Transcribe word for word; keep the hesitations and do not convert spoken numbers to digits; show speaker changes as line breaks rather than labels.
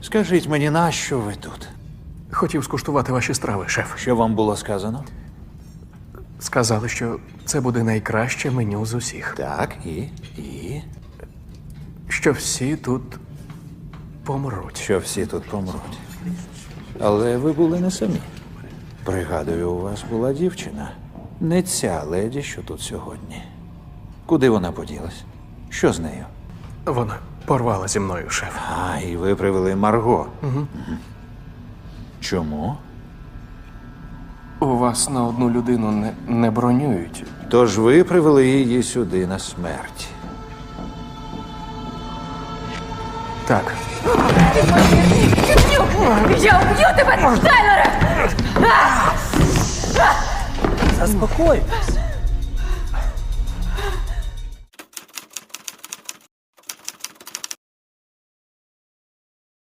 Скажіть мені, нащо ви тут?
Хотів скуштувати ваші страви, шеф.
Що вам було сказано?
Сказали, що це буде найкраще меню з усіх.
Так, і? І?
Що всі тут помруть.
Що всі тут помруть. Але ви були не самі. Пригадую, у вас була дівчина. Не ця леді, що тут сьогодні. Куди вона поділась? Що з нею?
Вона порвала зі мною, шеф.
А, і ви привели Марго. Угу. Чому?
У вас на одну людину не, не бронюють.
Тож ви привели її сюди на смерть.
Так.
Я уб'ю тебе, Тайлере!
Заспокойтесь.